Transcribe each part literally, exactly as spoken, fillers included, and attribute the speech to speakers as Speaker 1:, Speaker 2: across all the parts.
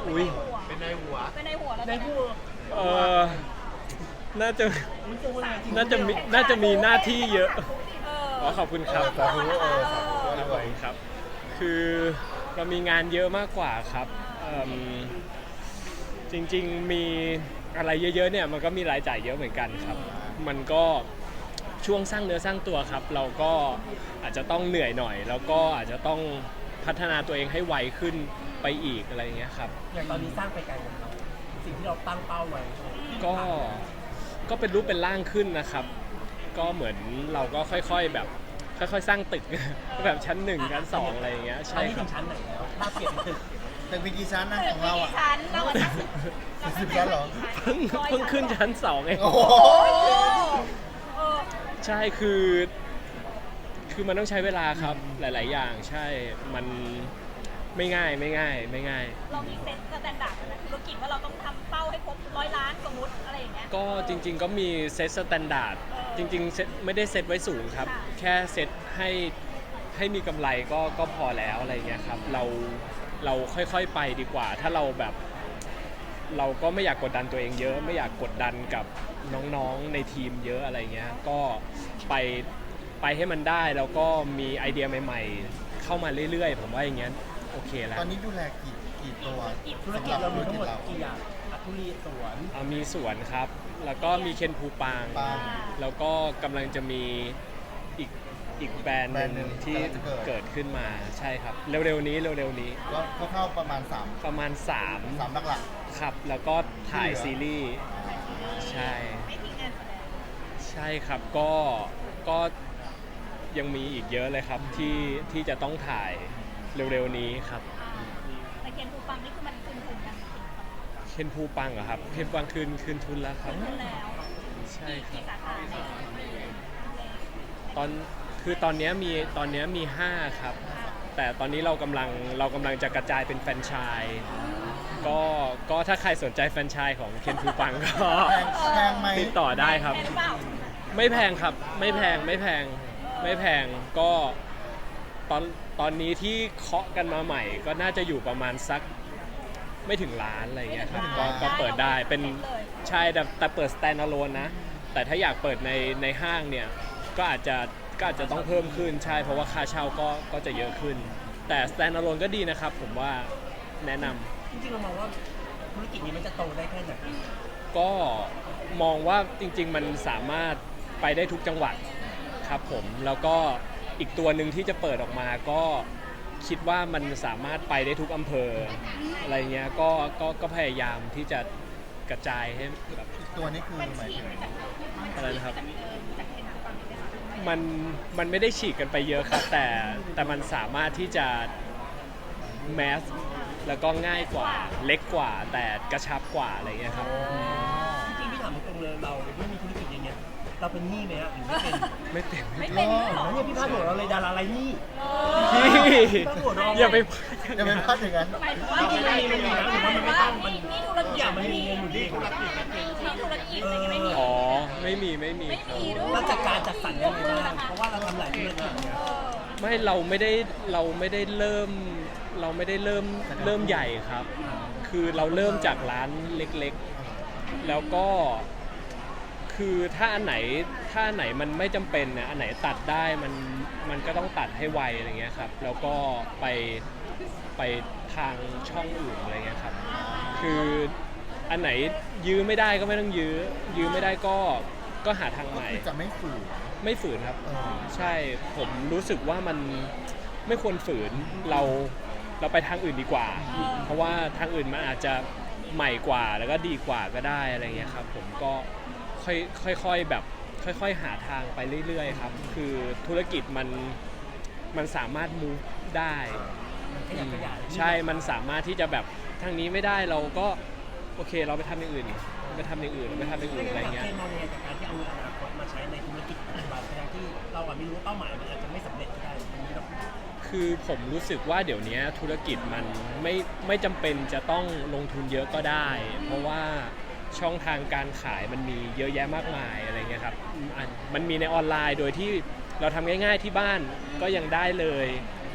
Speaker 1: อุ้ย
Speaker 2: เป็นในหัว
Speaker 3: เป็นในหัวแล้ว
Speaker 4: ในผู้
Speaker 1: เออน่าจะ
Speaker 4: มันตัวอะไรจริง
Speaker 1: น่าจะมีน่าจะมีหน้าที่เยอะ
Speaker 3: เอ
Speaker 1: อ๋อขอบคุณครับ
Speaker 2: สาธุเออสาธุ
Speaker 1: ครับผมครับ คือเรามีงานเยอะมากกว่าครับเอิ่มจริงๆมีอะไรเยอะๆเนี่ยมันก็มีรายจ่ายเยอะเหมือนกันครับ มันก็ช่วงสร้างเนื้อสร้างตัวครับ เราก็อาจจะต้องเหนื่อยหน่อย แล้วก็อาจจะต้องพัฒนาตัวเองให้ไวขึ้นไปอีกอะไรอย่างเงี้ยครับ
Speaker 4: อย่างตอนนี้สร้างไปไกลแล้วสิ่งที่เราตั้งเป้าไว้
Speaker 1: ก็ก็เป็นรูปเป็นร่างขึ้นนะครับ ก็เหมือนเราก็ค่อยๆแบบค่อยๆสร้างตึก แบบชั้นหนึ่งชั้นสองอะไรอย่างเงี้ย
Speaker 4: ตอ
Speaker 1: ใช่
Speaker 4: นนี้
Speaker 1: ค
Speaker 4: ถึ
Speaker 1: รับ
Speaker 4: งชั้นไหนแล้วถ้าเปลี่ยนเป็นตึก
Speaker 2: ตึกมีกี่ชั้นนะของเราอ่ะ
Speaker 3: ชั้นเราอะชั้น
Speaker 2: สิบชั้นเหรอ
Speaker 1: เพิ่งเพิ่งขึ้นชั้นสองเอง
Speaker 2: โอ้โห
Speaker 3: เออ
Speaker 1: ใช่คือคือมันต้องใช้เวลาครับหลาย ๆ อย่างใช่มันไม่ง่ายไม่ง่ายไม่ง่าย
Speaker 3: เรามีเซ็ตสแตนดาร์ดนะธุรกิจว่าเราต้องทำเป้าให้ครบร้อยล้านสมมติอะไรอย่างเงี้ย
Speaker 1: ก็จริง ๆ ก็มีเซตสแตนดาร์ดจริงๆเซตไม่ได้เซตไว้สูงครับ
Speaker 3: ค่ะ
Speaker 1: แค่เซตให้ให้มีกำไรก็ก็พอแล้วอะไรเงี้ยครับเราเราค่อยๆไปดีกว่า ถ้าเราแบบเราก็ไม่อยากกดดันตัวเองเยอะ ไม่อยากกดดันกับน้องๆในทีมเยอะอะไรเงี้ยก็ไปไปให้มันได้แล้วก็มีไอเดียใหม่ ๆ เข้ามาเรื่อย ๆ ผมว่าอย่างเงี้ยโอเคแล้ว
Speaker 2: ตอนนี้ดูแลกี่กี่ตัว
Speaker 4: ธุรกิจเรามีทั้งหมดกี่อย่างอัทุรีสวน
Speaker 1: อ่ามีสวนครับ แล้วก็มีเคนภูปาง
Speaker 2: ปาง
Speaker 1: แล้วก็กำลังจะมีอีกอีกแบรนด์ห
Speaker 2: แบรนด์หนึ่
Speaker 1: นึ่ง
Speaker 2: ง
Speaker 1: ที่
Speaker 2: กำลังจะเกิด
Speaker 1: เกิดขึ้นมาใช่ครับ เร็วๆนี้เร็วๆนี้
Speaker 2: ก็ก็เข้าประมาณสาม
Speaker 1: ประมาณ3
Speaker 2: สามหลัก
Speaker 1: ครับ แล้วก็ถ่าย
Speaker 2: ที่เหลือ
Speaker 1: ซีรีส์ใช่
Speaker 3: ไม่ทิ้งงานแสดง
Speaker 1: ใช่ครับก็ก็ยังมีอีกเยอะเลยครับที่ที่จะต้องถ่ายเร็วๆนี้ครับ
Speaker 3: แต่เคนภูปังนี่คือมันคืนทุนยัง
Speaker 1: เคนภูปังเหรอครับเคนภูปังคืนคืนทุนแล้วครับ
Speaker 3: คืนแล้ว
Speaker 1: ใช่ครั
Speaker 3: กี่
Speaker 1: บ
Speaker 3: สาขาใน
Speaker 1: ตอนคือตอนเนี้ยมีตอนเนี้ยมีห้าครับ แต่ตอนนี้เรากำลังเรากำลังจะกระจายเป็นแฟรนไชส์ก็ก็ถ้าใครสนใจแฟรนไชส์ของเคนทูปังก็
Speaker 2: ๆแพงแพงไหม
Speaker 1: ติดต่อได้ครับ
Speaker 3: แพงหรือเปล่า
Speaker 1: ไม่แพงครับไม่แพงไม่แพงไม่แพงก็ตอนตอนนี้ที่เคาะกันมาใหม่ ก็น่าจะอยู่ประมาณสักไม่ถึงล้านอะไรเงี้ยครับก็ก็เปิดได้เป็นใช่แต่แต่เปิด stand alone นะ แต่ถ้าอยากเปิดในในห้างเนี่ยก็อาจจะก็อาจจะต้องเพิ่มขึ้นใช่เพราะว่าค่าเช่าก็ก็จะเยอะขึ้น แต่ stand alone ก็ดีนะครับ ผมว่าแนะนำ
Speaker 4: จริงๆเรามองว่าธุรกิจนี้มันจะโตได้แค่ไหน
Speaker 1: ก็มองว่าจริงๆมันสามารถไปได้ทุกจังหวัดครับผมแล้วก็อีกตัวหนึ่งที่จะเปิดออกมาก็คิดว่ามันสามารถไปได้ทุกอำเภออะไรเงี้ยก็ก็ก็พยายามที่จะกระจายให้แบบ
Speaker 2: อีกตัวนี้คือหมายถึง
Speaker 1: อะไรนะครับ
Speaker 3: จากเคนภูปังนี่ไหมคะ
Speaker 1: มันมันไม่ได้ฉีกกันไปเยอะครับ แต่แต่มันสามารถที่จะแมสแล้วก็ง่ายกว่าเล็กกว่า แต่กระชับกว่าอะไรเงี้ยครับ
Speaker 4: จริงๆพี่ถามตรงๆเลยเราไม่มีธุรกิจอย่างเงี้ยเราเป็นหนี้ไหมอะหรือไม่เป็น
Speaker 1: ไม่เป็น
Speaker 3: ไม่เป็นด้วยเหรอ
Speaker 4: เนี่ยพี่พาดหัวเราเลยดาราไรหนี้
Speaker 1: พี่
Speaker 4: หัวเราะ
Speaker 1: อย่าไป
Speaker 2: จะเป็นพลาดอย่างนั้น
Speaker 3: หมายถึงว่า
Speaker 4: จริงๆมันมีมันมีนะหรือว่ามันไม่ต้องมัน
Speaker 3: มีธุร
Speaker 4: ทุก
Speaker 3: กิ
Speaker 4: อ
Speaker 3: จ
Speaker 4: ย่างมันมีเงินอยู่ดี
Speaker 3: มีธุรกิจอะไรอย่างเงี้ยไม่มี
Speaker 1: อ๋อไม่มีไม่มี
Speaker 3: ไม่มีด้วย
Speaker 4: เราจัดการจัดสรรยังไงบ้างเพราะว่าเราทำหลายธุรกิจเนี่ย
Speaker 1: ไม่เราไม่ได้เราไม่ได้เริ่มเราไม่ได้เริ่มเริ่มใหญ่ครับ คือเราเริ่มจากร้านเล็กๆ แล้วก็คือถ้าอันไหนถ้าอันไหนมันไม่จำเป็นเนี่ยอันไหนตัดได้มันมันก็ต้องตัดให้ไวอะไรเงี้ยครับแล้วก็ไปไปทางช่องอื่นอะไรเงี้ยครับคืออันไหนยื้อไม่ได้ก็ไม่ต้องยื้อยื้อไม่ได้ก็ก็หาทางใหม่
Speaker 2: คือจะไม่ฝืน
Speaker 1: ไม่ฝืนครับ
Speaker 2: เออ
Speaker 1: ใช่ผมรู้สึกว่ามันไม่ควรฝืนเราเราไปทางอื่นดีกว่า เพราะว่าทางอื่นมันอาจจะใหม่กว่าแล้วก็ดีกว่าก็ได้อะไรเงี้ยครับผมก็ค่อยค่อยๆแบบค่อยๆหาทางไปเรื่อยๆครับคือธุรกิจมันมันสามารถ move ได้
Speaker 4: ขยับขยาย
Speaker 1: ใช่มันสามารถที่จะแบบทางนี้ไม่ได้เราก็โอเคเราไปทำอย่างอื่นไปทำอย่างอื่นไปทำอย่างอื่นอะไรเงี้ย
Speaker 4: เคยมองยังไงกับการที่เอาเงินอนาคตมาใช้ในธุรกิจปัจจุบันทั้งที่เราอาจไม่รู้ว่าเป้าหมายมันอาจจะไม่สำเร็จก็ได้ตรงนี้เรา
Speaker 1: คือผมรู้สึกว่าเดี๋ยวนี้ธุรกิจมันไม่ไม่จำเป็นจะต้องลงทุนเยอะก็ได้ เพราะว่าช่องทางการขายมันมีเยอะแยะมากมายอะไรเงี้ยครับอืมอันมันมีในออนไลน์โดยที่เราทำง่ายๆที่บ้านก็ยังได้เลย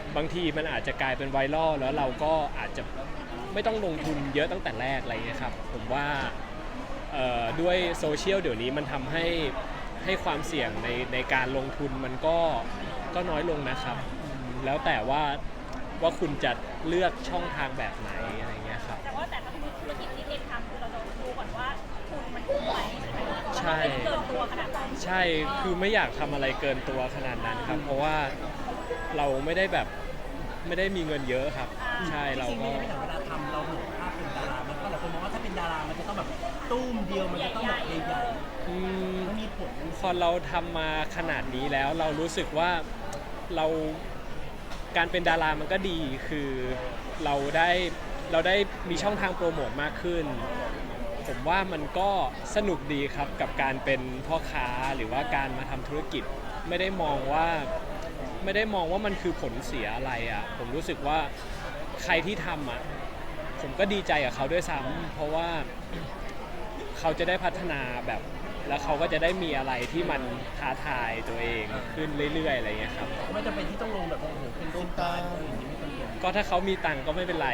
Speaker 1: บางทีมันอาจจะกลายเป็นไวรัลแล้วเราก็อาจจะไม่ต้องลงทุนเยอะตั้งแต่แรกอะไรเงี้ยครับผมว่าเอ่อด้วยโซเชียลเดี๋ยวนี้มันทำให้ให้ความเสี่ยงในในการลงทุนมันก็ก็น้อยลงนะครับอืมแล้วแต่ว่าว่าคุณจะเลือกช่องทางแบบไหนอะไรเงี้ยครับ
Speaker 3: แต่ว่าแต่ถ้าธุรกิจที่เอ็มทำคือเราจะดูก่อนว่าทุนมันคุ้มไหมใช่ไหม
Speaker 1: ใช่
Speaker 3: ไม่ได้เกินตัวขนาดนั้น
Speaker 1: ใช่คือไม่อยากทำอะไรเกินตัวขนาดนั้นครับ เพราะว่าเราไม่ได้แบบไม่ได้มีเงินเยอะครับ ใช่เรา
Speaker 4: จริงๆ
Speaker 1: ก็
Speaker 4: ไม่ได้เวลาทำเราห่วงภาพเป็นดารามันก็หลายคนมองว่าถ้าเป็นดารามันจะต้องแบบตุ้มเดียวมันจะต้องแบบใหญ่
Speaker 1: อืม
Speaker 4: ๆมันมีผล
Speaker 1: พอเราทำมาขนาดนี้แล้วเรารู้สึกว่าเราการเป็นดารามันก็ดีคือเราได้เราได้มีช่องทางโปรโมทมากขึ้น ผมว่ามันก็สนุกดีครับกับการเป็นพ่อค้าหรือว่าการมาทำธุรกิจไม่ได้มองว่าไม่ได้มองว่ามันคือผลเสียอะไรอ่ะผมรู้สึกว่าใครที่ทำอ่ะผมก็ดีใจกับเขาด้วยซ้ำเพราะว่าเขาจะได้พัฒนาแบบแล้วเขาก็จะได้มีอะไรที่มันท้าทายตัวเองขึ้นเรื่อยๆอะไรเงี้ยครับ
Speaker 4: ไม่จำเป็นที่ต้องลงแบบโอ้โหเป็นตุ้มตามอะไรอย่างนี้ไม่จำเป็น
Speaker 1: ก็ถ้าเขามีตังค์ก็ไม่เป็นไร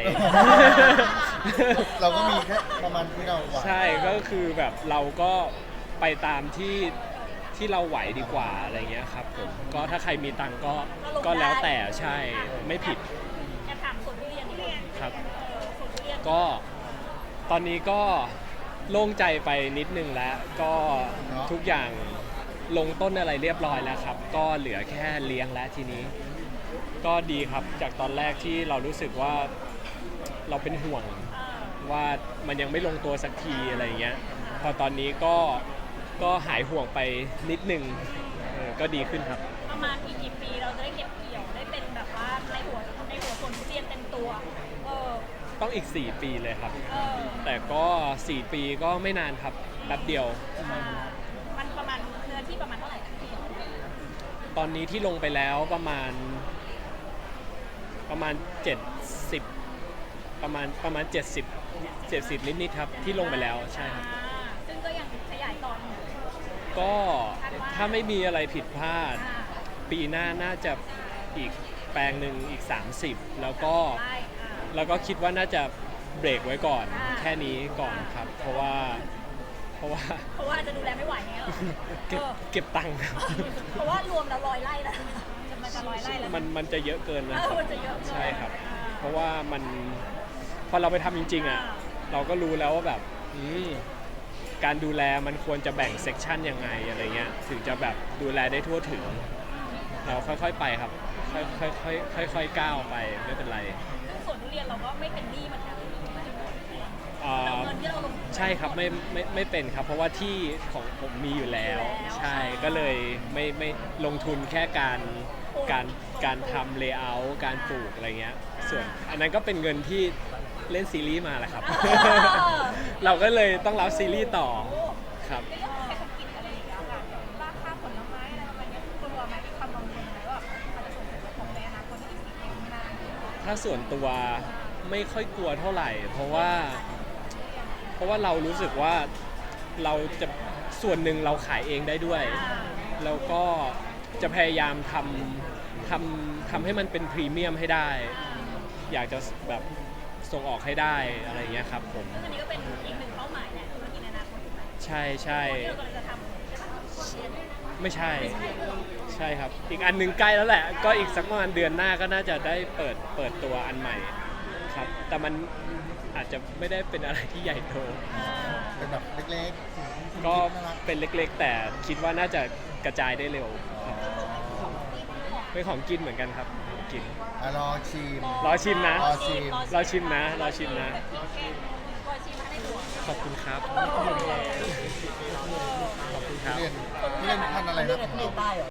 Speaker 2: เราก็มีแค่ประมาณที่เราไหว
Speaker 1: ใช่ก็คือแบบเราก็ไปตามที่ที่เราไหวดีกว่าอะไรเงี้ยครับผมก็ถ้าใครมีตังค์ก็ก็แล้วแต่ใช่ไม่ผิด
Speaker 3: แอบถามสวนทุเรียนนิดนึง
Speaker 1: ครับ
Speaker 3: เออสวนทุเรียน
Speaker 1: ก็ตอนนี้ก็โล่งใจไปนิดนึงแล้วก็ทุกอย่างลงต้นอะไรเรียบร้อยแล้วครับ ก็เหลือแค่เลี้ยงแล้วทีนี้ ก็ดีครับจากตอนแรกที่เรารู้สึกว่าเราเป็นห่วง
Speaker 3: เออ
Speaker 1: ว่ามันยังไม่ลงตัวสักทีอะไรเงี้ยพอตอนนี้ก็ก็หายห่วงไปนิดนึงเออก็ดีขึ้นครับ
Speaker 3: ประมาณอีกกี่ปีเราจะได้เก็บเกี่ยวได้เป็นแบบว่าในหัวในหัวสวนทุเรียนเต็มตัวเออ
Speaker 1: ต้องอีกสี่ปีเลยครับ
Speaker 3: เออ
Speaker 1: แต่ก็สี่ปีก็ไม่นานครับแป๊บเดียว
Speaker 3: อ่ามันประมาณเนื้อที่ประมาณเท่าไหร่นะพี่
Speaker 1: ตอนนี้ที่ลงไปแล้วประมาณประมาณเจ็ดสิบประมาณประมาณเจ็ดสิบ เจ็ดสิบนิดๆครับที่ลงไปแล้วใช่ครับ
Speaker 3: อ่าซึ่งก็ยังขยายต่ออยู่
Speaker 1: ก็ถ้าไม่มีอะไรผิดพลาด
Speaker 3: อ่า
Speaker 1: ปีหน้าน่าจะอีกแปลงหนึ่งอีกสามสิบแล้วก็
Speaker 3: ไล่อ่า
Speaker 1: แล้วก็คิดว่าน่าจะเบรกไว้ก่อน
Speaker 3: อ่า
Speaker 1: แค่นี้ก่อนครับ เพราะว่าเพราะว่า
Speaker 3: เพราะว่าจะดูแลไม่ไหวเนี้ยหรอ
Speaker 1: เก็บ
Speaker 3: เออ
Speaker 1: เก็บตังค์ครับ
Speaker 3: เพราะว่ารวมแล้วร้อยไร่แล้วจะมันจะร้อยไร่แล้ว
Speaker 1: มันมันจะเยอะเกินนะค
Speaker 3: เอ
Speaker 1: รั
Speaker 3: อบ มันจะเยอะเกิน
Speaker 1: ใช่ครับ
Speaker 3: อ่า
Speaker 1: เพราะว่ามันพอเราไปทำจริงๆอ่ะ
Speaker 3: อ่า
Speaker 1: เราก็รู้แล้วว่าแบบอืมการดูแลมันควรจะแบ่งเซกชันยังไงอะไรเงี้ยถึงจะแบบดูแลได้ทั่วถึง เราค่อยๆไปครับ ค่อยๆค่อยๆค่อยๆก้าวไปไม่เป็นไร
Speaker 3: ซึ่งสวนทุเรียนเราก็ไม่เป็นหนี้เหมือนกัน
Speaker 1: อ่า
Speaker 3: เราเงินที่เราลงทุน
Speaker 1: ใช่ครับไม่ไม่ไม่เป็นครับ เพราะว่าที่ของผมมีอยู่แล้ว
Speaker 3: อยู่แล้ว
Speaker 1: ใช่ก็เลยไม่ไม่ลงทุนแค่การการการทำเลเยอร์การปลูกอะไรเงี้ยส่วนอันนั้นก็เป็นเงินที่เล่นซีรีส์มาแหละครับ เราก็เลยต้องรับซีรีส์ต่อครับ
Speaker 3: ในเรื่องของเศรษฐกิจอะไรอย่างเงี้ยค่ะราคาผลไม้อะไรประมาณเนี้ยกลัวไหมมีความกังวลไหมว่ามันจะส่งผลกระทบในอนาคตที่อีกสิบปีข้างหน้า
Speaker 1: ถ้าส่วนตัวไม่ค่อยกลัวเท่าไหร่ เพราะว่าเพราะว่าเรารู้สึกว่าเราจะส่วนหนึ่งเราขายเองได้ด้วย แล้วก็จะพยายามทำทำทำให้มันเป็นพรีเมียมให้ได้ อยากจะแบบส่งออกให้ได้อะไรเงี้ยครับผม
Speaker 3: ซึ่งอันนี้ก็เป็นอีกหนึ่งเป้าหมายแหละธุรกิจในอนาคตถูกไหม
Speaker 1: ใช่ใช่
Speaker 3: ที่เรากำลังจะทำใช่ปะ
Speaker 1: ไม่ใช่ใช่ครับ อีกอันหนึงใกล้แล้วแหละ ก็อีกสักประมาณเดือนหน้าก็น่าจะได้เปิดเปิดตัวอันใหม่ครับ แต่มันอาจจะไม่ได้เป็นอะไรที่ใหญ่โต
Speaker 2: เป็นแบบเล็กๆ
Speaker 1: ก็
Speaker 2: น่ารัก
Speaker 1: เป็นเล็กๆ แต่คิดว่าน่าจะกระจายได้เร็วครับเป็นของกินเหมือนกันครับของกิน
Speaker 2: อ่ะรอชิม
Speaker 1: รอชิมนะ
Speaker 2: รอชิม
Speaker 1: รอชิมนะรอชิมนะ
Speaker 3: รอชิมมาให้ดู
Speaker 1: ขอบคุณครับ ขอบคุณครับ
Speaker 2: ทุเรียนทุเรียนพันธุ์อะไรนะของเรา